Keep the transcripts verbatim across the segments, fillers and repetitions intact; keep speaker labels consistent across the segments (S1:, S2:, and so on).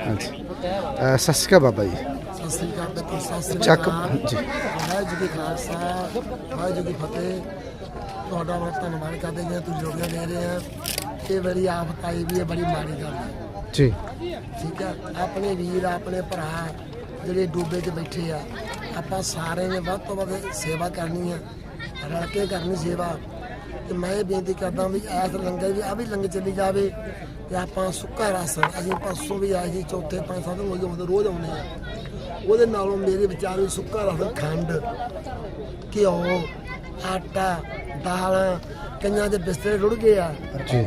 S1: ਹਾਂਜੀ ਸਤਿ ਸ਼੍ਰੀ ਅਕਾਲ ਬਾਬਾ ਜੀ।
S2: ਸਤਿ ਸ੍ਰੀ ਅਕਾਲ ਦੇਖੋ ਸਤਿ ਸ੍ਰੀ
S1: ਚੱਕ
S2: ਅਕਾਲ
S1: ਜੀ
S2: ਵਾਹਿਗੁਰੂ ਜੀ ਕਾ ਖਾਲਸਾ ਵਾਹਿਗੁਰੂ ਜੀ ਕੀ ਫਤਿਹ। ਤੁਹਾਡਾ ਬਹੁਤ ਧੰਨਵਾਦ ਕਰਦੇ ਹਾਂ ਤੁਸੀਂ ਜੋੜੀਆਂ ਦੇ ਰਹੇ ਆ। ਇਹ ਬੜੀ ਆਫਤ ਆਈ ਵੀ ਹੈ, ਬੜੀ ਮਾੜੀ ਗੱਲ ਹੈ
S1: ਜੀ।
S2: ਠੀਕ ਹੈ, ਆਪਣੇ ਵੀਰ ਆਪਣੇ ਭਰਾ ਜਿਹੜੇ ਡੂਬੇ 'ਚ ਬੈਠੇ ਆ, ਆਪਾਂ ਸਾਰੇ ਨੇ ਵੱਧ ਤੋਂ ਵੱਧ ਸੇਵਾ ਕਰਨੀ ਹੈ, ਰਲ ਕੇ ਕਰਨੀ ਸੇਵਾ। ਤੇ ਮੈਂ ਇਹ ਬੇਨਤੀ ਕਰਦਾ ਵੀ ਐਸ ਲੰਗਰ ਵੀ ਆ ਵੀ ਲੰਗਰ ਚੱਲੀ ਜਾਵੇ ਤੇ ਆਪਾਂ ਸੁੱਕਾ ਰਾਸ਼ਨ ਅਸੀਂ ਪਰਸੋਂ ਵੀ ਆਏ ਸੀ, ਚੌਥੇ ਪੰਜ ਸੱਤ ਨੂੰ ਆਉਂਦੇ ਰੋਜ਼ ਆਉਂਦੇ ਆ। ਉਹਦੇ ਨਾਲੋਂ ਮੇਰੇ ਵਿਚਾਰ ਵੀ ਸੁੱਕਾ ਰਾਸ਼ਨ ਖੰਡ ਘਿਓ ਆਟਾ ਦਾਲਾਂ, ਕਈਆਂ ਦੇ ਬਿਸਤਰੇ ਰੁੜ ਗਏ ਆ
S1: ਜੀ,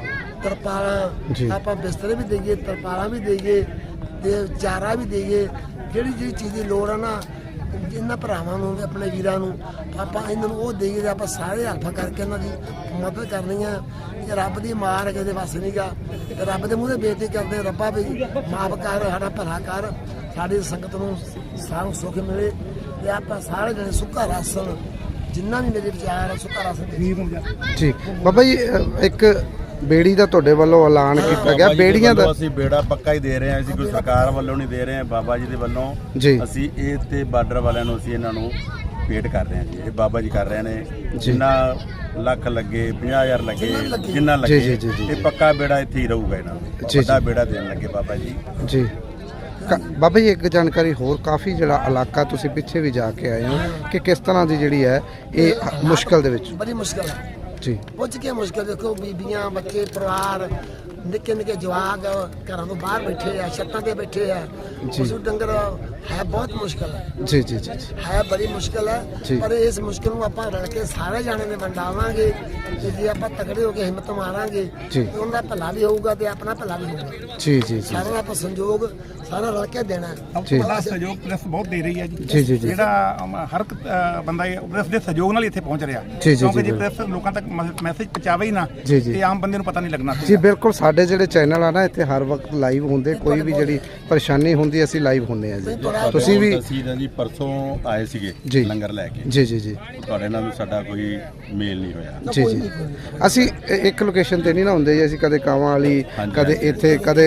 S2: ਤਰਪਾਲਾਂ ਆਪਾਂ ਬਿਸਤਰੇ ਵੀ ਦੇਈਏ, ਤਰਪਾਲਾਂ ਵੀ ਦੇਈਏ ਤੇ ਚਾਰਾ ਵੀ ਦੇਈਏ। ਜਿਹੜੀ ਜਿਹੜੀ ਚੀਜ਼ ਦੀ ਲੋੜ ਆ ਨਾ ਇਹਨਾਂ ਭਰਾਵਾਂ ਨੂੰ ਆਪਣੇ ਵੀਰਾਂ ਨੂੰ ਆਪਾਂ ਇਹਨਾਂ ਨੂੰ ਉਹ ਦੇਈਏ। ਆਪਾਂ ਸਾਰੇ ਹੱਥ ਕਰਕੇ ਇਹਨਾਂ ਦੀ ਮਦਦ ਕਰਨੀ ਆ। ਇਹ ਰੱਬ ਦੀ ਮਾਰ ਹੈ, ਕਿਸੇ ਵਾਸਤੇ ਨਹੀਂ ਗਾ। ਰੱਬ ਦੇ ਮੂੰਹ ਤੇ ਬੇਨਤੀ ਕਰਦੇ ਰੱਬਾ ਵੀ ਮਾਫ ਕਰ, ਸਾਡਾ ਭਲਾ ਕਰ, ਸਾਡੀ ਸੰਗਤ ਨੂੰ ਸਾਰਾ ਸੁੱਖ ਮਿਲੇ ਤੇ ਆਪਾਂ ਸਾਰੇ ਜਣੇ ਸੁੱਕਾ ਰਾਸ਼ਨ ਜਿੰਨਾ ਵੀ ਮੇਰੇ ਵਿਚਾਰ ਆ ਸੁੱਕਾ ਰਾਸ਼ਨ
S1: ਜੀ। ਬਾਬਾ ਜੀ ਇੱਕ ਬੇੜੀ ਦਾ ਤੁਹਾਡੇ ਵੱਲੋਂ ਐਲਾਨ ਕੀਤਾ ਗਿਆ, ਬੇੜੀਆਂ ਦਾ
S3: ਅਸੀਂ ਬੇੜਾ ਪੱਕਾ ਹੀ ਦੇ ਰਹੇ ਹਾਂ, ਅਸੀਂ ਕੋਈ ਸਰਕਾਰ ਵੱਲੋਂ ਨਹੀਂ ਦੇ ਰਹੇ ਹਾਂ, ਬਾਬਾ ਜੀ ਦੇ ਵੱਲੋਂ ਅਸੀਂ ਇਹ ਤੇ ਬਾਰਡਰ ਵਾਲਿਆਂ ਨੂੰ ਅਸੀਂ ਇਹਨਾਂ ਨੂੰ ਭੇਟ ਕਰ ਰਹੇ ਹਾਂ ਜੀ। ਇਹ ਬਾਬਾ ਜੀ ਕਰ ਰਹੇ ਨੇ, ਜਿੰਨਾ ਲੱਖ ਲੱਗੇ ਪੰਜਾਹ ਹਜ਼ਾਰ ਲੱਗੇ ਜਿੰਨਾ ਲੱਗੇ ਇਹ ਪੱਕਾ ਬੇੜਾ ਇੱਥੇ ਹੀ ਰਹੂਗਾ। ਇਹਨਾਂ ਨੂੰ ਵੱਡਾ ਬੇੜਾ ਦੇਣ ਲੱਗੇ ਬਾਬਾ ਜੀ। ਜੀ
S1: ਬਾਬਾ ਜੀ ਇੱਕ ਜਾਣਕਾਰੀ ਹੋਰ, ਕਾਫੀ ਜਿਹੜਾ ਇਲਾਕਾ ਤੁਸੀਂ ਪਿੱਛੇ ਵੀ ਜਾ ਕੇ ਆਏ ਹੋ ਕਿ ਕਿਸ ਤਰ੍ਹਾਂ ਦੀ ਜਿਹੜੀ ਹੈ ਇਹ ਮੁਸ਼ਕਲ ਦੇ ਵਿੱਚ
S2: ਬੜੀ ਮੁਸ਼ਕਲ ਹੈ
S1: ਜੀ।
S2: ਪੁੱਛ ਕੇ ਮੁਸ਼ਕਲ ਦੇਖੋ, ਬੀਬੀਆਂ ਬੱਚੇ ਪਰਿਵਾਰ ਨਿੱਕੇ ਨਿੱਕੇ ਜਵਾਕ ਘਰਾਂ ਤੋਂ ਬਾਹਰ ਬੈਠੇ ਆ, ਛੱਤਾਂ ਤੇ ਬੈਠੇ ਆ, ਪਸ਼ੂ ਡੰਗਰ ਹੈ, ਬਹੁਤ ਮੁਸ਼ਕਲ ਹੈ
S1: ਜੀ ਜੀ ਜੀ
S2: ਹੈ, ਬੜੀ ਮੁਸ਼ਕਲ ਹੈ। ਪਰ ਇਸ ਮੁਸ਼ਕਲ ਨੂੰ ਆਪਾਂ ਰਲ ਕੇ ਸਾਰੇ ਜਾਣੇ ਨੇ ਵੰਡਾਵਾਂਗੇ ਤੇ ਜੇ ਆਪਾਂ ਤਕੜੇ ਹੋ ਕੇ ਹਿੰਮਤ ਮਾਰਾਂਗੇ ਤੇ ਉਹਨਾਂ ਦਾ ਭਲਾ ਵੀ ਹੋਊਗਾ ਤੇ ਆਪਣਾ ਭਲਾ ਵੀ ਹੋਊਗਾ।
S1: ਜੀ ਜੀ
S2: ਸਾਰਾ ਆਪਾਂ ਸੰਯੋਗ ਸਾਰਾ ਰਲ ਕੇ ਦੇਣਾ।
S4: ਬੜਾ ਸਹਿਯੋਗ ਪੁਲਿਸ ਬਹੁਤ ਦੇ ਰਹੀ ਹੈ ਜੀ। ਜਿਹੜਾ ਹਰ ਇੱਕ ਬੰਦਾ ਪੁਲਿਸ ਦੇ ਸਹਿਯੋਗ ਨਾਲ ਇੱਥੇ ਪਹੁੰਚ ਰਿਹਾ, ਕਿਉਂਕਿ ਜੇ ਪੁਲਿਸ ਲੋਕਾਂ ਤੱਕ ਮੈਸੇਜ ਪਹੁੰਚਾਵੇ ਹੀ ਨਾ ਤੇ ਆਮ ਬੰਦੇ ਨੂੰ ਪਤਾ ਨਹੀਂ ਲੱਗਣਾ
S1: ਜੀ। ਬਿਲਕੁਲ, ਸਾਡੇ ਜਿਹੜੇ ਚੈਨਲ ਆ ਨਾ ਇੱਥੇ ਹਰ ਵਕਤ ਲਾਈਵ ਹੁੰਦੇ, ਕੋਈ ਵੀ ਜਿਹੜੀ ਪਰੇਸ਼ਾਨੀ ਹੁੰਦੀ ਅਸੀਂ ਲਾਈਵ ਹੁੰਦੇ ਆ ਜੀ। ਤੁਸੀਂ ਵੀ
S3: ਅਸੀਂ ਜੀ ਪਰਸੋਂ ਆਏ ਸੀਗੇ ਲੰਗਰ ਲੈ ਕੇ ਜੀ ਜੀ ਜੀ ਤੁਹਾਡੇ ਨਾਲ ਵੀ ਸਾਡਾ ਕੋਈ ਮੇਲ ਨਹੀਂ ਹੋਇਆ
S1: ਜੀ ਜੀ। ਅਸੀਂ ਇੱਕ ਲੋਕੇਸ਼ਨ ਤੇ ਨਹੀਂ ਨਾ ਹੁੰਦੇ ਜੀ, ਅਸੀਂ ਕਦੇ ਕਾਵਾਂ ਵਾਲੀ, ਕਦੇ ਇੱਥੇ, ਕਦੇ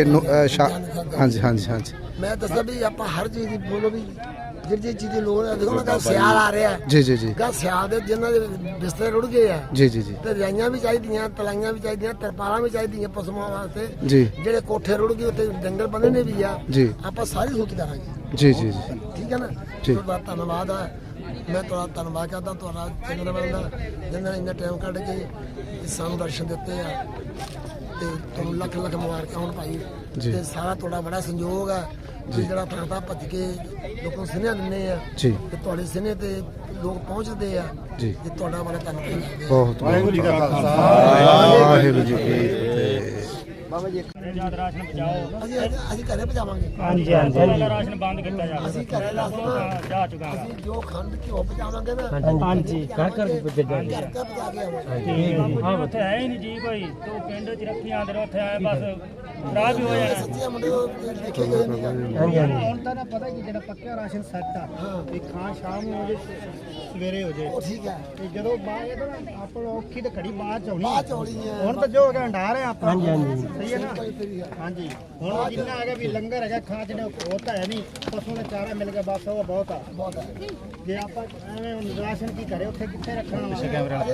S1: ਹਾਂਜੀ ਹਾਂਜੀ ਹਾਂਜੀ।
S2: ਮੈਂ ਦੱਸਦਾ ਵੀ ਆਪਾਂ ਹਰ ਚੀਜ਼ ਦੀ ਬੋਲੋ ਵੀ ਜਿਹੜੀ ਚੀਜ਼ ਦੀ ਲੋੜ ਹੈ। ਦੇਖੋ ਨਾ ਕੱਲ ਸਿਆਲ ਆ ਰਿਹਾ
S1: ਜੀ ਜੀ ਜੀ,
S2: ਕੱਲ ਸਿਆਲ ਦੇ ਜਿਨ੍ਹਾਂ ਦੇ ਬਿਸਤਰੇ ਰੁੜ ਗਏ ਆ
S1: ਜੀ ਜੀ ਜੀ,
S2: ਤੇ ਰਜਾਈਆਂ ਵੀ ਚਾਹੀਦੀਆਂ, ਤਲਾਈਆਂ ਵੀ ਚਾਹੀਦੀਆਂ, ਤਰਪਾਲਾਂ ਵੀ ਚਾਹੀਦੀਆਂ ਪਸ਼ੂਆਂ ਵਾਸਤੇ
S1: ਜੀ।
S2: ਜਿਹੜੇ ਕੋਠੇ ਰੁੜ ਗਏ ਉੱਤੇ ਡੰਗਰ ਬੰਨ੍ਹੇ ਨੇ ਵੀ ਆ
S1: ਜੀ, ਆਪਾਂ
S2: ਸਾਰੀ ਸੋਚ ਕਰਾਂਗੇ
S1: ਜੀ ਜੀ ਜੀ।
S2: ਠੀਕ ਹੈ ਨਾ, ਤੁਹਾਡਾ ਧੰਨਵਾਦ ਆ। ਮੈਂ ਤੁਹਾਡਾ ਧੰਨਵਾਦ ਕਰਦਾ ਤੁਹਾਡਾ ਚੰਗਾ ਬਣਦਾ ਜਿਹਨਾਂ ਨੇ ਇੰਨਾ ਟਾਈਮ ਕੱਢ ਕੇ ਸਾਨੂੰ ਦਰਸ਼ਨ ਦਿੱਤੇ ਆ ਤੇ ਤੁਹਾਨੂੰ ਲੱਖ ਲੱਖ ਮੁਬਾਰਕਾਂ ਹੋਣ ਭਾਈ। ਤੇ ਸਾਰਾ ਤੁਹਾਡਾ ਬੜਾ ਸੰਯੋਗ ਆ ਜੀ, ਜਿਹੜਾ ਥਾਂ ਭੱਜ ਕੇ ਲੋਕਾਂ ਨੂੰ ਸੁਨੇਹਾ ਦਿੰਦੇ ਆ ਤੇ ਤੁਹਾਡੇ ਸੁਨੇਹੇ ਤੇ ਲੋਕ ਪਹੁੰਚਦੇ ਆ ਜੀ। ਤੇ ਤੁਹਾਡਾ ਬੜਾ ਧੰਨਵਾਦ।
S1: ਬਹੁਤ ਵਾਹਿਗੁਰੂ ਜੀ ਕਾ ਖਾਲਸਾ ਵਾਹਿਗੁਰੂ ਜੀ ਕੀ ਫਤਿਹ।
S2: ਬਾਬਾ ਜੀ ਰਾਸ਼ਨ ਬਚਾਓ, ਅਸੀਂ ਅਸੀਂ ਘਰੇ ਪਹੁੰਚਾਵਾਂਗੇ।
S5: ਹਾਂਜੀ ਹਾਂਜੀ, ਰਾਸ਼ਨ ਬੰਦ ਕੀਤਾ ਜਾਵੇ।
S2: ਅਸੀਂ ਘਰੇ ਰਾਸ਼ਨ
S5: ਜਾ ਚੁੱਕਾ
S2: ਅਸੀਂ ਜੋ ਖੰਡ ਘਿਓ ਪਹੁੰਚਾਵਾਂਗੇ ਨਾ
S5: ਹਾਂਜੀ ਘਰ ਘਰ ਪੁੱਜ ਜਾਣਗੇ।
S2: ਘਰ ਘਰ ਪਹੁੰਚਾ ਕੇ ਆਵਾਂਗੇ।
S5: ਹਾਂ ਉੱਥੇ ਹੈ ਹੀ ਨਹੀਂ ਜੀ ਕੋਈ, ਤੂੰ ਪਿੰਡ ਚ ਰੱਖੀ ਆਂਦੇ ਉੱਥੇ ਆਏ ਬਸ ਖਰਾਬ ਹੀ ਹੋ ਜਾਣਾ।
S2: ਸੱਚੀਆਂ ਮੁੰਡੇ ਦੇਖੇ ਗਏ ਨਹੀਂ।
S5: ਹਾਂਜੀ ਹਾਂਜੀ,
S4: ਹੁਣ ਤਾਂ ਨਾ ਪਤਾ ਕਿ ਜਿਹੜਾ ਪੱਕਾ ਰਾਸ਼ਨ ਸੈੱਟ ਆ ਇਹ ਖਾਂ ਸ਼ਾਮ ਨੂੰ ਹੋ ਜੇ ਸਵੇਰੇ ਹੋ ਜੇ
S2: ਉਹ ਠੀਕ ਹੈ।
S4: ਤੇ ਜਦੋਂ ਬਾਅਦ ਆਪਾਂ ਔਖੀ ਤੇ ਘੜੀ ਬਾਅਦ ਚ ਆਉਣੀ
S2: ਬਾਅਦ ਚ ਆਉਣੀ ਹੈ।
S4: ਹੁਣ ਤਾਂ ਜੋ ਹੈਗਾ ਹੰਡਾਰ ਹੈ ਆਪਾਂ।
S5: ਹਾਂਜੀ ਹਾਂਜੀ,
S4: ਸਹੀ ਹੈ ਨਾ। ਹਾਂਜੀ, ਹੁਣ ਜਿੰਨਾ ਹੈਗਾ ਵੀ ਲੰਗਰ ਹੈਗਾ ਖਾਂ ਚ ਉਹ ਤਾਂ ਹੈ ਨਹੀਂ, ਪਸ਼ੂ ਨੇ ਚਾਰਾ ਮਿਲ ਗਿਆ ਬਸ ਉਹ ਬਹੁਤ ਆ ਬਹੁਤ ਹੈ। ਜੇ ਆਪਾਂ ਐਵੇਂ ਰਾਸ਼ਨ ਕੀ ਕਰੇ ਉੱਥੇ ਕਿੱਥੇ ਰੱਖਣਾ ਵਾ।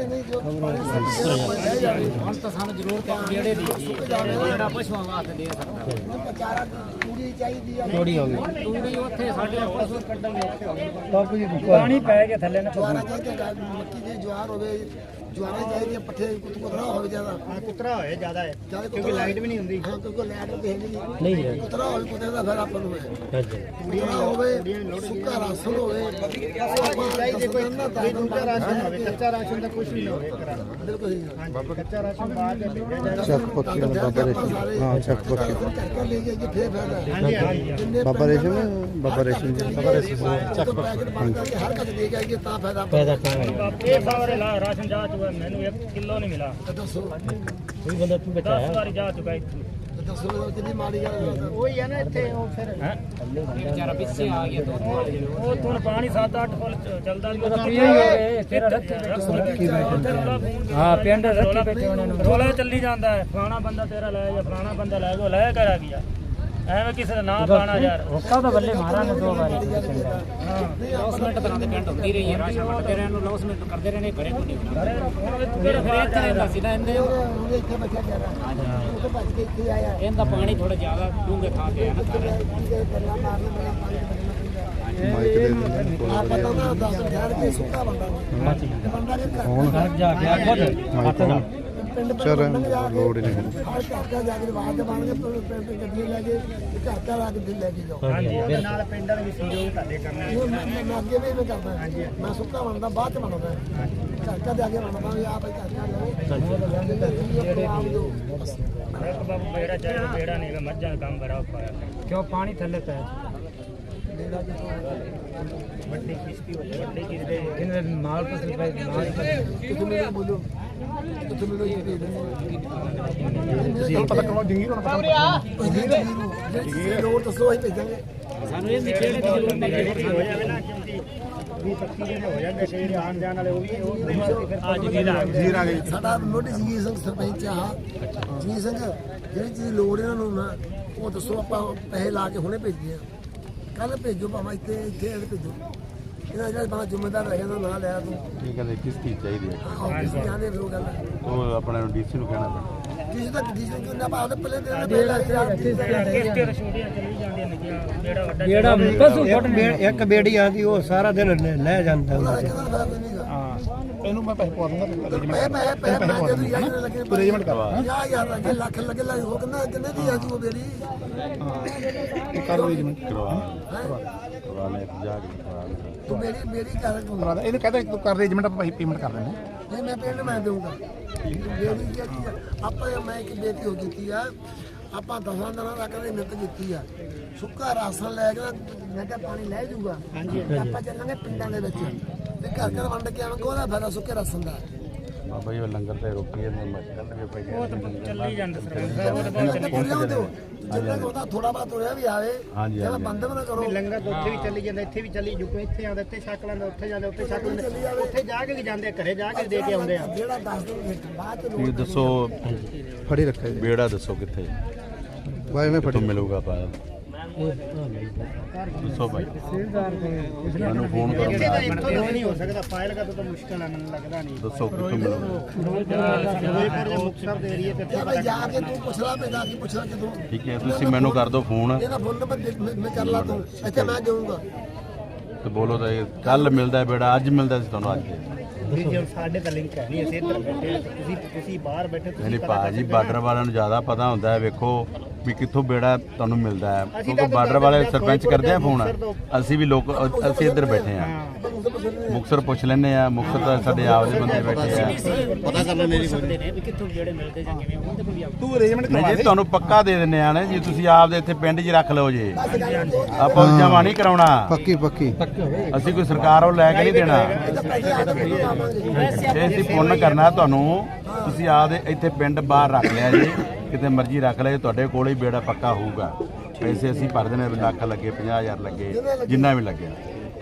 S5: ਹੁਣ ਤਾਂ ਸਾਨੂੰ ਜ਼ਰੂਰਤ ਹੈ ਜਿਹੜੇ ਦੀ ਜਿਹੜਾ ਪਸ਼ੂਆਂ ਵਾਸਤੇ ਦੇ ਸਕਦਾ।
S2: ਚਾਰਾ ਪੂਰੀ ਚਾਹੀਦੀ ਆ।
S5: ਥੋੜੀ ਹੋ ਗਈ ਤੂੜੀ ਉੱਥੇ ਸਾਡੇ ਪਸ਼ੂ ਕੱਢਣਗੇ, ਪਾਣੀ ਪੈ ਕੇ ਥੱਲੇ ਨਾ
S2: ਜਵਾਰਾ ਚਾਹੀਦਾ, ਮੱਕੀ ਦੀ ਜਵਾਰ ਹੋਵੇ, ਜਵਾਰਾ ਚਾਹੀਦੀ, ਪੱਠੇ ਕੁਤਰਾ ਹੋਵੇ ਜ਼ਿਆਦਾ।
S4: ਹਾਂ ਕੁਤਰਾ ਹੋਏ ਜ਼ਿਆਦਾ ਹੈ ਕਿਉਂਕਿ ਲਾਈਟ ਵੀ ਨਹੀਂ ਹੁੰਦੀ।
S2: ਹਾਂ ਕਿਉਂਕਿ ਲਾਈਟ ਤੇ ਨਹੀਂ
S5: ਨਹੀਂ
S2: ਕੁਤਰਾ ਹੋਵੇ, ਕੁਤਰੇ ਦਾ ਫਿਰ ਆਪਾਂ ਨੂੰ ਹੈ ਕੁਤਰਾ ਹੋਵੇ, ਸੁੱਕਾ ਰਾਸ਼ਨ ਹੋਵੇ,
S4: ਚਾਹੀਦੇ ਕੋਈ ਦੂਜਾ ਰਾਸ਼ਨ ਹੋਵੇ, ਕੱਚਾ ਰਾਸ਼ਨ ਦਾ ਕੁਝ ਨਹੀਂ ਹੋਵੇ।
S2: ਬਿਲਕੁਲ
S4: ਹਾਂਜੀ, ਕੱਚਾ ਰਾਸ਼ਨ ਬਾਹਰ ਦੇ ਭੇਜਿਆ
S1: ਚੱਕ ਪੱਕੀ ਬਾਬਾ ਰੇਸ਼ਮ, ਹਾਂ ਚੱਕ ਪੱਕੀ
S2: ਕਰਕੇ ਲੈ ਕੇ ਫੇਰ ਫਾਇਦਾ।
S4: ਹਾਂਜੀ ਹਾਂਜੀ,
S1: ਬਾਬਾ ਰੇਸ਼ਮ, ਬਾਬਾ ਰੇਸ਼ਮ ਜੀ, ਬਾਬਾ ਰੇਸ਼ਮ ਚੱਕ
S2: ਪੱਕੀ ਹਰ ਕਦੇ ਦੇ ਕੇ ਤਾਂ ਫਾਇਦਾ
S5: ਪੈਦਾ ਕਰਾਂਗੇ। ਇਹ ਸਾਰੇ ਰਾਸ਼ਨ ਜਾ ਚੁੱਕਾ, ਮੈਨੂੰ ਇੱਕ ਕਿਲੋ ਨਹੀਂ ਮਿਲਾ।
S2: ਦੱਸੋ
S5: ਕੋਈ ਬੰਦਾ ਤੂੰ ਬਚਾਇਆ ਦਸ ਵਾਰੀ ਜਾ ਚੁੱਕਾ ਇੱਥੇ।
S2: ਦੱਸੋ ਕਿੰਨੀ ਮਾੜੀ ਗੱਲ।
S4: ਉਹੀ ਹੈ ਨਾ ਇੱਥੇ ਉਹ ਫਿਰ
S5: ਹੈ ਵਿਚਾਰਾ ਪਿੱਛੇ ਆ ਗਿਆ ਦੋ ਉਹ ਤੋਂ ਪਾਣੀ ਸੱਤ ਅੱਠ ਫੁੱਟ ਚੱਲਦਾ ਨਹੀਂ ਉਹਦਾ ਕੀ ਹੋਵੇ ਤੇਰਾ ਰੱਖੀ ਹਾਂ ਪਿੰਡ ਰੱਖੀ ਬੈਠੇ ਉਹਨਾਂ ਨੂੰ ਰੋਲਾ ਚੱਲੀ ਜਾਂਦਾ ਹੈ, ਫਲਾਣਾ ਬੰਦਾ ਤੇਰਾ ਲੈ ਜਾ, ਫਲਾਣਾ ਬੰਦਾ ਲੈ ਗਿਆ, ਲੈ ਕਰ ਆ ਗਿਆ ਐਵੇਂ ਕਿਸੇ ਦਾ ਨਾਮ ਪਾਣਾ ਯਾਰ
S6: ਹੁੱਕਾ ਤਾਂ ਬੱਲੇ ਮਾਰਾਂਗੇ ਦੋ ਵਾਰੀ
S7: ਲੌਸਮੈਂਟ ਤਰ੍ਹਾਂ ਦੇ ਪਿੰਡ ਹੁੰਦੀ ਰਹੀ ਹੈ ਰਾਸ਼ਨ ਵੰਡਦੇ ਰਹੇ ਨੂੰ ਲੌਸਮੈਂਟ ਕਰਦੇ ਰਹੇ ਨੇ ਘਰੇ ਕੋਈ ਨਹੀਂ ਫਿਰ ਫਿਰ ਇੱਥੇ ਰਹਿੰਦਾ ਸੀ ਨਾ ਇਹਦੇ
S2: ਉਹਦੇ ਇੱਥੇ ਬੱਚਾ ਜਾ ਰਿਹਾ ਉਹ ਤਾਂ ਭੱਜ ਕੇ ਇੱਥੇ ਆਇਆ
S7: ਇਹਦਾ ਪਾਣੀ ਥੋੜਾ ਜ਼ਿਆਦਾ ਡੂੰਘੇ ਥਾਂ ਤੇ ਹੈ ਨਾ ਸਾਰੇ
S2: ਗੱਲਾਂ ਮਾਰਨੇ ਬੜਾ ਪਾਣੀ ਬਚਣਾ
S1: ਮਾਈਕ ਦੇ ਦਿੰਦੇ
S2: ਆ ਪਤਾ ਨਾ ਦਸ ਠਹਿਰ ਕੇ ਸੁੱਕਾ ਬੰਦਾ ਤੇ ਬੰਦਾ ਜੇ ਘਰ
S6: ਜਾ ਕੇ ਆ ਖੁਦ
S2: ਪਿੰਡ
S1: ਚਲ
S2: ਲੋੜ
S1: ਲੋੜ ਹੀ ਨਹੀਂ
S2: ਹਰ ਘਰ ਦਾ ਜਾ ਕੇ ਬਾਹਰ ਦੇ ਬਣ ਕੇ ਪਿੰਡ ਪਿੰਡ ਗੱਡੀਆਂ ਲੈ ਕੇ ਤੇ ਘਰ ਘਰ ਆ ਕੇ ਦਿਲ ਲੈ ਕੇ ਜਾਓ
S4: ਹਾਂਜੀ ਉਹਦੇ ਨਾਲ ਪਿੰਡ ਵਾਲੇ ਵੀ ਸਹਿਯੋਗ ਤੁਹਾਡੇ ਕਰਨਾ
S2: ਇਹ ਮੈਂ ਮੈਂ ਅੱਗੇ ਵੀ ਮੈਂ ਕਰਦਾ ਮੈਂ ਸੁੱਕਾ ਬਣਦਾ ਬਾਅਦ ਚ ਬਣਦਾ ਘਰ ਘਰ ਜਾ ਕੇ ਬਣਦਾ ਵੀ ਆ ਭਾਈ ਘਰ ਘਰ ਲਓ
S5: ਇੱਕ ਬਾਬੂ ਬੇੜਾ ਚਾਹੀਦਾ ਬੇੜਾ ਨਹੀਂ ਗਾ, ਮੱਝਾਂ ਦਾ ਕੰਮ ਬੜਾ ਔਖਾ ਹੈ
S6: ਕਿਉਂ ਪਾਣੀ ਥੱਲੇ ਪੈ
S5: ਵੱਡੀ ਕਿਸ਼ਤੀ ਹੋ ਜਾਏ ਵੱਡੀ ਕਿਸ਼ਤੀ
S6: ਕਿੰਨੇ ਮਾਲ ਪਸਲ ਪੈ ਮਾਲ
S2: ਤੁਸੀਂ ਮੈਨੂੰ ਬੋਲੋ ਤੁਸੀਂ ਮੈਨੂੰ ਇਹ ਦੇ
S4: ਤੁਹਾਨੂੰ ਪਤਾ ਕਰਵਾ ਡਿੰਗੀ ਨੂੰ ਪਤਾ
S2: ਦੇ ਲੋੜ ਦੱਸੋ ਅਸੀਂ ਭੇਜਾਂਗੇ
S7: ਸਾਨੂੰ ਇਹ ਨਹੀਂ ਕਿਹੜੇ ਦੀ ਜ਼ਰੂਰਤ ਨਹੀਂ
S5: ਜਿਹੜੀ ਹੋ ਜਾਵੇ ਨਾ ਕਿਉਂਕਿ
S4: ਵੀ ਪੱਕੀ ਜਿਹੜੇ ਹੋ ਜਾਂਦੇ ਸ਼ੇਰ ਆਣ ਜਾਣ ਵਾਲੇ ਉਹ ਵੀ ਉਹ ਫਿਰ
S5: ਅੱਜ ਵੀ ਲਾ
S4: ਜੀਰ ਆ ਗਈ
S2: ਸਾਡਾ ਨੋਟਿਸ ਜੀ ਸਿੰਘ ਸਰਪੰਚ ਆ ਜੀ ਸਿੰਘ ਜਿਹੜੀ ਚੀਜ਼ ਲੋੜ ਇਹਨਾਂ ਨੂੰ ਨਾ ਉਹ ਦੱਸੋ ਆਪਾਂ ਪੈਸੇ ਲਾ ਕੇ ਹੁਣੇ ਭੇਜੀਏ ਕੱਲ ਭੇਜੋ ਭਾਵੇਂ ਇੱਥੇ ਇੱਥੇ ਇਹਦੇ ਭੇਜੋ ਇਹਨਾਂ ਜਿਹੜਾ ਬਾਅਦ ਜ਼ਿੰਮੇਦਾਰ ਰਹਿ ਜਾਂਦਾ ਨਾ ਲਿਆ ਤੂੰ
S3: ਇਹ ਕਹਿੰਦੇ ਕਿਸ਼ਤੀ ਚਾਹੀਦੀ ਹੈ
S2: ਆਫਿਸ ਜਾਣੇ ਫਿਰ ਉਹ ਗੱਲ
S3: ਉਹ ਆਪਣੇ ਨੂੰ ਡੀਸੀ ਨੂੰ ਕਹਿਣਾ ਪੈਣਾ
S2: ਜਿਸ ਤੱਕ ਡੀ ਸਿੰਘ ਕਿੰਨਾ ਬਾਅਦ ਪਹਿਲੇ ਦਿਨ ਦੇ ਪਹਿਲਾਂ
S5: ਕਿਸ਼ਤੀ ਤਾਂ ਛੋਟੀਆਂ ਚੱਲੀ ਜਾਂਦੀਆਂ ਨੇ ਜਿਹੜਾ ਵੱਡਾ
S6: ਜਿਹੜਾ ਪਸ਼ੂ ਇੱਕ ਬੇੜੀ ਆਂਦੀ ਉਹ ਸਾਰਾ ਦਿਨ ਲੈ ਜਾਂਦਾ
S4: ਇਹਨੂੰ ਮੈਂ ਪੈਸੇ ਪਵਾ ਦੂੰਗਾ
S2: ਮੈਂ ਮੈਂ ਮੈਂ ਮੈਂ ਜਦੋਂ ਯਾਰ ਲੱਗੇ
S4: ਤੂੰ ਅਰੇਂਜਮੈਂਟ ਕਰਵਾ
S2: ਯਾ ਯਾਰ ਲੱਗੇ ਲੱਖ ਲੱਗੇ ਲੱਗ ਹੋ ਕਿੰਨਾ ਕਿੰਨੇ ਦੀ ਆ ਜੂ ਬੇੜੀ
S4: ਕਰ ਅਰੇਂਜਮੈਂਟ
S3: ਕਰਵਾ ਕਰਵਾ ਲੈ ਜਾ ਕੇ ਕਰਵਾ ਲੈ।
S2: ਤੂੰ ਮੇਰੀ ਮੇਰੀ ਕਰ ਤੂੰ
S4: ਕਰਵਾ ਦੇ ਇਹਨੂੰ ਕਹਿੰਦਾ ਤੂੰ ਕਰ ਅਰੇਂਜਮੈਂਟ ਆਪਾਂ ਪੈਸੇ ਪੇਮੈਂਟ ਕਰ ਦਿੰਦੇ
S2: ਨਹੀਂ ਮੈਂ ਪਿੰਡ ਮੈਂ ਦਊਂਗਾ ਬੇੜੀ ਕੀ ਚੀਜ਼ ਆ? ਆਪਾਂ ਮੈਂ ਇੱਕ ਬੇਟੀ ਹੋ ਕੀਤੀ ਆ ਆਪਾਂ ਦਸਾਂ ਦਿਨਾਂ ਤੱਕ ਦੀ ਮਿਹਨਤ ਕੀਤੀ ਆ ਸੁੱਕਾ ਰਾਸ਼ਨ ਲੈ ਕੇ ਮੈਂ ਕਿਹਾ ਪਾਣੀ ਲੈ ਜਾਊਗਾ ਆਪਾਂ ਚੱਲਾਂਗੇ ਪਿੰਡਾਂ ਦੇ ਵਿੱਚ ਤੇ ਘਰ ਘਰ ਵੰਡ ਕੇ ਆਵਾਂਗੇ ਉਹਦਾ ਫਾਇਦਾ ਸੁੱਕੇ ਰਾਸ਼ਨ ਦਾ
S3: ਬਾਬਾ ਜੀ ਉਹ ਲੰਗਰ ਤੇ ਰੋਕੀ ਇਹਨੇ ਮਸਕਲ ਵੀ ਪਈ
S5: ਉਹ ਤਾਂ ਚੱਲੀ ਜਾਂਦਾ ਸਰਪੰਚ ਸਾਹਿਬ ਉਹ ਤਾਂ ਬਹੁਤ ਚੱਲੀ
S2: ਜਿੰਨਾ ਉਹਦਾ ਥੋੜਾ ਬਾਤ ਹੋਇਆ ਵੀ ਆਵੇ
S3: ਹਾਂਜੀ,
S2: ਜੇ
S3: ਹਾਂਜੀ।
S2: ਬੰਦ ਵੀ ਨਾ ਕਰੋ
S4: ਲੰਗਰ ਤਾਂ ਉੱਥੇ ਵੀ ਚੱਲੀ ਜਾਂਦਾ ਇੱਥੇ ਵੀ ਚੱਲੀ ਜੁਕੋ ਇੱਥੇ ਆਉਂਦਾ ਇੱਥੇ ਛਕ ਲੈਂਦਾ ਉੱਥੇ ਜਾਂਦੇ ਉੱਥੇ ਛਕ ਲੈਂਦੇ ਉੱਥੇ ਜਾ ਕੇ ਵੀ ਜਾਂਦੇ ਆ, ਘਰੇ ਜਾ ਕੇ ਦੇ ਕੇ ਆਉਂਦੇ ਆ
S2: ਜਿਹੜਾ ਦਸ ਦਿਨ ਵਿੱਚ ਬਾਅਦ ਚ
S3: ਤੁਸੀਂ ਦੱਸੋ
S1: ਫੜੀ ਰੱਖਿਆ ਜੀ
S3: ਬੇੜਾ ਦੱਸੋ ਕਿੱਥੇ
S1: ਬਾਈ ਮੈਂ
S3: ਕਿੱਥੋਂ
S1: ਫੜੀ
S3: ਮਿਲੂਗਾ ਪਾ ਦੱਸੋ ਭਾਈ ਮੈਨੂੰ ਫੋਨ ਕਰੋ
S4: ਇੱਥੇ ਤਾਂ ਇੱਥੋਂ ਤਾਂ ਨਹੀਂ ਹੋ ਸਕਦਾ ਫਾਈਲ ਕਾ ਤਾਂ ਮੁਸ਼ਕਲ ਆ ਮੈਨੂੰ ਲੱਗਦਾ ਨਹੀਂ
S3: ਦੱਸੋ ਕਿੱਥੋਂ ਮਿਲੂਗਾ
S4: ਫਿਰੋਜ਼ਪੁਰ ਦੇ ਮੁਕਤਸਰ ਦੇ ਏਰੀਏ ਤੇ
S2: ਇਹ ਭਾਈ ਜਾ ਕੇ ਤੂੰ ਪੁੱਛਣਾ ਪੈਂਦਾ ਕੀ ਪੁੱਛਣਾ ਕਿਦੋਂ
S3: ਠੀਕ ਹੈ ਤੁਸੀਂ ਮੈਨੂੰ ਕਰ ਦਿਓ ਫੋਨ
S2: ਇਹਦਾ ਫੋਨ ਨੰਬਰ ਦੇ- ਮੈਂ ਮੈਂ ਕਰ ਲਾ ਤੂੰ ਇੱਥੇ ਮੈਂ ਜਾਊਂਗਾ
S3: ਤੇ ਬੋਲੋ ਤਾਂ ਕੱਲ ਮਿਲਦਾ ਹੈ ਬੇੜਾ ਅੱਜ ਮਿਲਦਾ ਸੀ ਤੁਹਾਨੂੰ ਅੱਜ
S4: ਵੀ ਜੇ ਸਾਡੇ ਤਾਂ ਲਿੰਕ ਹੈ ਨਹੀਂ ਅਸੀਂ ਇੱਧਰ ਬੈਠੇ ਹਾਂ, ਤੁਸੀਂ ਤੁਸੀਂ ਬਾਹਰ ਬੈਠੇ ਤੁਸੀਂ
S3: ਨਹੀਂ ਭਾਜੀ ਬਾਰਡਰ ਵਾਲਿਆਂ ਨੂੰ ਜ਼ਿਆਦਾ ਪਤਾ ਹੁੰਦਾ ਹੈ ਵੇਖੋ ਵੀ ਕਿੱਥੋਂ ਬੇੜਾ ਤੁਹਾਨੂੰ ਮਿਲਦਾ ਹੈ ਕਿਉਂਕਿ ਬਾਰਡਰ ਵਾਲੇ ਸਰਪੰਚ ਕਰਦੇ ਆ ਫੋਨ ਅਸੀਂ ਵੀ ਲੋਕ ਅਸੀਂ ਇੱਧਰ ਬੈਠੇ ਆ ਮੁਕਤਸਰ ਪੁੱਛ ਲੈਂਦੇ ਆ ਮੁਕਤਸਰ ਤਾਂ ਸਾਡੇ ਆਪਦੇ ਬੰਦੇ ਬੈਠੇ ਆ
S7: ਪਤਾ ਕਰ ਲੈਣੇ ਨਹੀਂ ਨੇ ਵੀ ਕਿੱਥੋਂ ਜਿਹੜੇ ਮਿਲਦੇ ਜਾਂ ਕਿਵੇਂ ਉਹਦੇ ਕੋਲ ਵੀ ਆਪ
S4: ਤੂੰ ਅਰੇਂਜਮੈਂਟ
S3: ਨਹੀਂ ਜੀ ਤੁਹਾਨੂੰ ਪੱਕਾ ਦੇ ਦਿੰਦੇ ਆ ਨਾ ਜੀ ਤੁਸੀਂ ਆਪਦੇ ਇੱਥੇ ਪਿੰਡ 'ਚ ਹੀ ਰੱਖ ਲਓ ਜੀ ਆਪਾਂ ਜਮਾ ਨਹੀਂ ਕਰਾਉਣਾ
S1: ਪੱਕੀ ਪੱਕੀ
S3: ਅਸੀਂ ਕੋਈ ਸਰਕਾਰ ਉਹ ਲੈ ਕੇ ਨਹੀਂ ਦੇਣਾ ਇਹ ਅਸੀਂ ਪੁੰਨ ਕਰਨਾ ਤੁਹਾਨੂੰ ਤੁਸੀਂ ਆਪਦੇ ਇੱਥੇ ਪਿੰਡ ਬਾਹਰ ਰੱਖ ਲਿਆ ਜੀ ਕਿਤੇ ਮਰਜ਼ੀ ਰੱਖ ਲਿਆ ਤੁਹਾਡੇ ਕੋਲ ਹੀ ਬੇੜਾ ਪੱਕਾ ਹੋਊਗਾ ਪੈਸੇ ਅਸੀਂ ਭਰ ਦੇਣੇ ਲੱਖ ਲੱਗੇ ਪੰਜਾਹ ਹਜ਼ਾਰ ਲੱਗੇ ਜਿੰਨਾ ਵੀ ਲੱਗਿਆ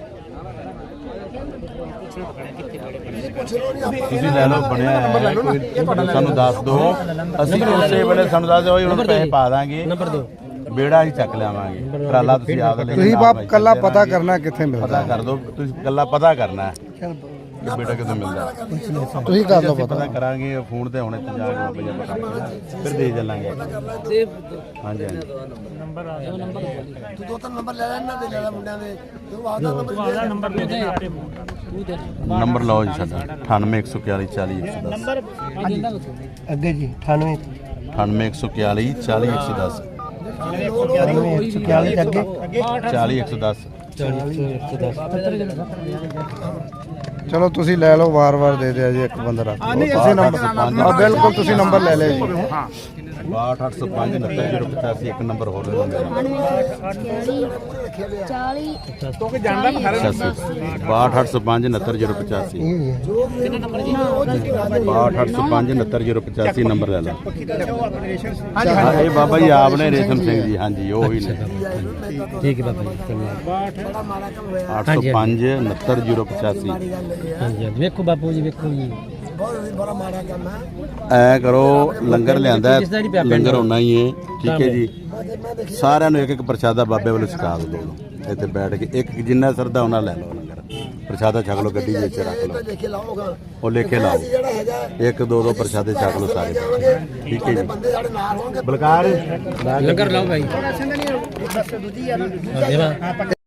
S3: ਤੁਸੀਂ ਲੈ ਲਓ ਬਣਿਆ ਹੈ ਕੋਈ ਸਾਨੂੰ ਦੱਸ ਦਿਓ ਅਸੀਂ ਉਸੇ ਵੇਲੇ ਸਾਨੂੰ ਦੱਸ ਦਿਓ ਉਹਨਾਂ ਨੂੰ ਪੈਸੇ ਪਾ ਦਾਂਗੇ ਨੰਬਰ ਦਿਓ ਬੇੜਾ ਹੀ ਚੱਕ ਲਿਆਵਾਂਗੇ ਟਰਾਲਾ ਤੁਸੀਂ ਆਪ ਲੈ
S1: ਤੁਸੀਂ ਬਾਪ ਕੱਲਾ ਪਤਾ ਕਰਨਾ ਕਿੱਥੇ ਮਿਲਦਾ
S3: ਪਤਾ ਕਰ ਦਿਓ ਤੁਸੀਂ ਕੱਲਾ ਪਤਾ ਕਰਨਾ ਹੈ ਕਿ ਬੇਟਾ ਕਿੱਥੋਂ ਮਿਲਦਾ
S1: ਤੁਸੀਂ ਕਰ ਲਓ
S3: ਅਸੀਂ
S1: ਪਤਾ
S3: ਪਤਾ ਕਰਾਂਗੇ ਫੋਨ ਤੇ ਹੁਣੇ ਤੇ ਜਾ ਕੇ ਰੁਪਈਆ ਪਤਾ ਕਰਾਂਗੇ। ਫਿਰ ਦੇ ਚੱਲਾਂਗੇ ਹਾਂਜੀ ਹਾਂਜੀ
S2: ਤੂੰ ਦੋ ਤਿੰਨ ਨੰਬਰ ਲੈ ਲੈ ਇਹਨਾਂ ਦੇ ਲੈ ਲੈ ਮੁੰਡਿਆਂ ਦੇ ਤੂੰ ਆਦਾ ਨੰਬਰ
S5: ਨੰਬਰ ਦੇ ਦੇ ਸਾਰੇ
S3: ਨੰਬਰ ਲਓ ਜੀ ਸਾਡਾ ਅਠਾਨਵੇਂ ਇੱਕ ਸੌ ਇਕਤਾਲੀ ਚਾਲੀ ਇੱਕ ਸੌ ਦਸ
S6: ਅੱਗੇ ਜੀ ਅਠਾਨਵੇਂ
S3: ਅਠਾਨਵੇਂ ਇੱਕ ਸੌ ਇਕਤਾਲੀ ਚਾਲੀ ਇੱਕ ਸੌ ਦਸ
S6: ਇਕਤਾਲੀ ਅੱਗੇ
S3: ਚਾਲੀ ਇੱਕ ਸੌ ਦਸ
S1: ਚਲੋ ਤੁਸੀਂ ਲੈ ਲਓ ਵਾਰ-ਵਾਰ ਦੇ ਦਿਆ ਜੀ ਇੱਕ ਬੰਦਾ ਰੱਖ ਲਓ ਤੁਸੀਂ ਨੰਬਰ ਹਾਂ ਬਿਲਕੁਲ ਤੁਸੀਂ ਨੰਬਰ ਲੈ ਲਿਆ ਜੀ
S3: ਬਾਹਠ ਅੱਠ ਸੌ ਪੰਜ ਉਨੱਤਰ ਜ਼ੀਰੋ ਪਚਾਸੀ ਇੱਕ ਨੰਬਰ ਹੋਰ ਲੈ
S8: ਚਾਲੀ
S3: ਬਾਹਠ ਅੱਠ ਸੌ ਪੰਜ ਉਨੱਤਰ ਜ਼ੀਰੋ ਪਚਾਸੀ ਬਾਹਠ ਅੱਠ ਸੌ ਪੰਜ ਉਨੱਤਰ ਜ਼ੀਰੋ ਪਚਾਸੀ ਨੰਬਰ ਲੈ ਲਓ ਹਾਂ ਇਹ ਬਾਬਾ ਜੀ ਆਪ ਨੇ ਰੇਸ਼ਮ ਸਿੰਘ ਜੀ ਹਾਂਜੀ ਉਹ ਹੀ ਨੇ
S6: ਠੀਕ ਹੈ ਬਾਬਾ ਜੀ
S2: ਬੜਾ ਮਾੜਾ ਕੰਮ ਹੋਇਆ
S3: ਅੱਠ ਸੌ ਪੰਜ ਉਨੱਤਰ ਜ਼ੀਰੋ ਪਚਾਸੀ
S2: ਗੱਲ ਇਹ ਆ
S6: ਹਾਂਜੀ ਵੇਖੋ ਬਾਪੂ ਜੀ ਵੇਖੋ ਜੀ
S2: ਬਹੁਤ ਬੜਾ ਮਾੜਾ ਕੰਮ ਹੈ।
S3: ਐ ਕਰੋ ਲੰਗਰ ਲਿਆਂਦਾ ਹੈ, ਲੰਗਰ ਹੋਣਾ ਹੀ ਹੈ, ਠੀਕ ਹੈ ਜੀ। ਸਾਰਿਆਂ ਨੂੰ ਇੱਕ ਇੱਕ ਪ੍ਰਸ਼ਾਦਾ ਬਾਬੇ ਵੱਲੋਂ ਛਕਾ ਦਿਓ, ਇੱਥੇ ਬੈਠ ਕੇ ਇੱਕ ਜਿੰਨਾ ਸਰਦਾ ਉਹਨਾਂ ਲੈ ਲਓ, ਲੰਗਰ ਪ੍ਰਸ਼ਾਦਾ ਛਕ ਲਓ, ਗੱਡੀ ਵਿੱਚ ਰੱਖ ਲਓ,
S2: ਲਿਖ ਕੇ ਲਾਓਗਾ
S3: ਉਹ ਲਿਖ ਕੇ ਲਾਓ,
S2: ਜਿਹੜਾ ਹੈਗਾ
S3: ਇੱਕ ਦੋ ਦੋ ਪ੍ਰਸ਼ਾਦੇ ਛਕ ਲਓ ਸਾਰੇ, ਠੀਕ ਹੈ ਜੀ।
S2: ਬੰਦੇ ਸਾਡੇ ਨਾਲ ਹੋਣਗੇ।
S3: ਬਲਕਾਰ
S6: ਲੰਗਰ ਲਾਓ ਭਾਈ।
S4: ਦੂਜੀ ਆ ਨਾ